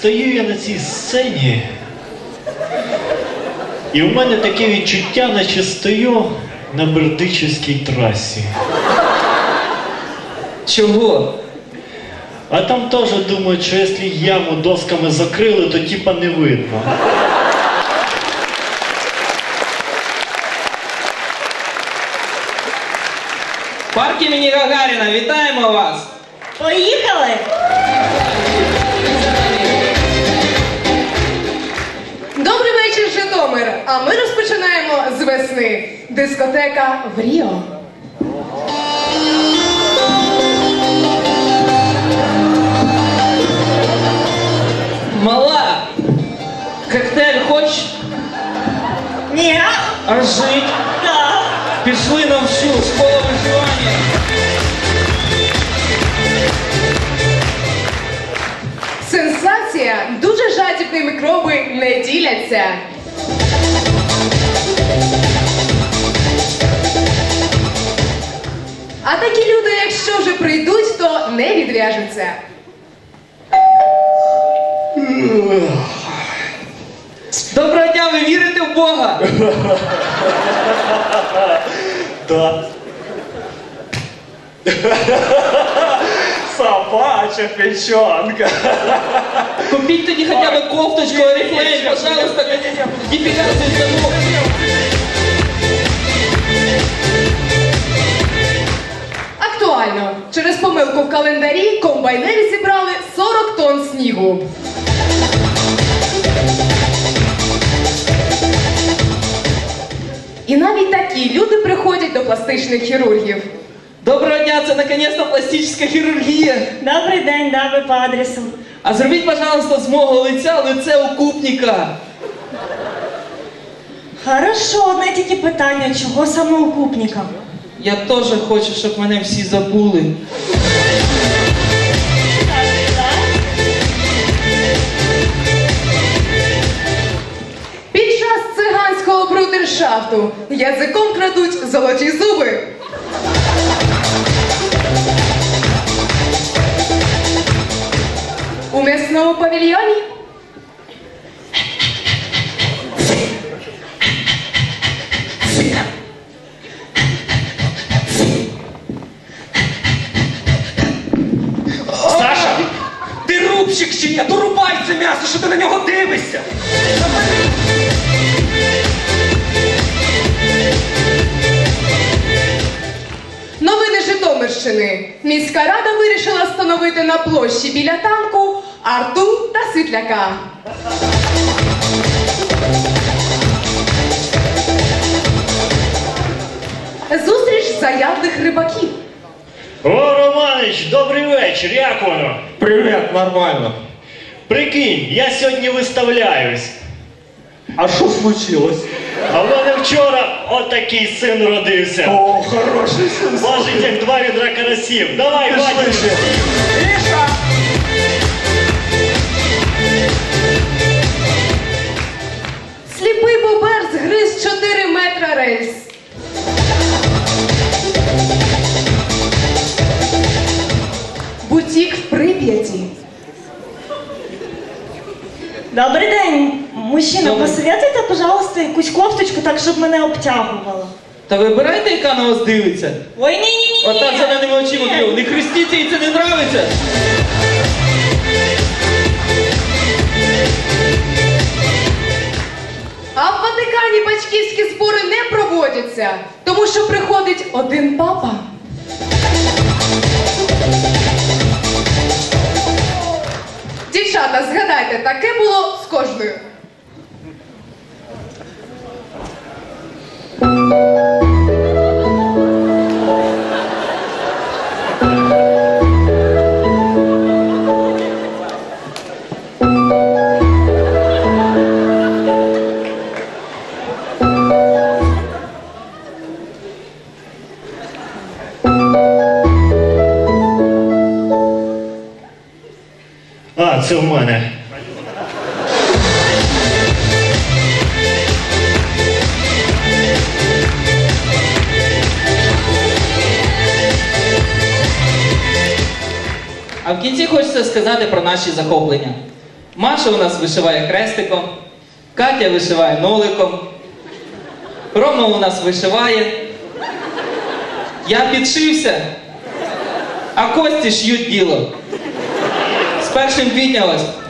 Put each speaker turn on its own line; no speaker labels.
стою я на цій сцені, і в мене таке відчуття, наче стою на Бердичівській трасі.
Чого?
А там теж думають, що якщо яму досками закрили, то типа не видно.
Парк імені Гагаріна, вітаємо вас!
Поїхали!
Добрий вечір, Житомир! А ми розпочинаємо з весни. Дискотека в Ріо.
Мала! Коктейль хочеш?
Ні.
А жить?
Так.
Пішли на всю школу виживання.
Сенсація! Дуже жадібні мікроби не діляться. А такі люди, якщо вже прийдуть, то не відв'яжуться.
Доброго дня, ви вірите в Бога?
Да. Собача печенка.
Купіть тоді хоча б кофточку, орифлейм, пожалуйста, депіляцію замок.
Актуально. Через помилку в календарі комбайнери зібрали 40 тонн снігу. І навіть такі люди приходять до пластичних хірургів.
Доброго дня, це наконец-то пластична хірургія.
Добрий день, да, ви по адресу.
А зробіть, пожалуйста, з мого лиця лице укупника.
Хорошо, одне тільки питання, чого саме укупника?
Я теж хочу, щоб мене всі забули.
Під час циганського брудершафту язиком крадуть золоті зуби. У м'ясному павільйоні
Саша, ти рубщик чи ні? То рубай це м'ясо, що ти на нього дивишся.
новини Житомирщини. Міська рада вирішила встановити на площі біля танку Арту та Світляка. Зустріч заядлих рибаків.
О, Романич, добрий вечір, як воно?
Привіт, нормально.
Прикинь, я сьогодні виставляюсь.
А що случилось?
А в мене вчора отакий син родився.
О, хороший сын.
Важить як 2 відра карасів. Давай, батюшка.
Миша!
Сліпий бобер згриз 4 метра рельс. Бутік в Прип'яті.
Добрий день, мужчина,
Добрий.
посоветуйте, пожалуйста, якусь кофточку, так, щоб мене обтягувало.
Та вибирайте, яка на вас дивиться.
Ой, ні-ні-ні.
Отак зеленими очима
Ні.
б'ю. Не хрестіться, їй це не нравиться.
А в Ватикані батьківські збори не проводяться, тому що приходить один папа. Дівчата, згадайте, таке було з кожною.
А, це в мене.
А в кінці хочеться сказати про наші захоплення. Маша у нас вишиває хрестиком, Катя вишиває ноликом, Рома у нас вишиває, я підшився, а Кості ш'ють діло. З 1 квітня ось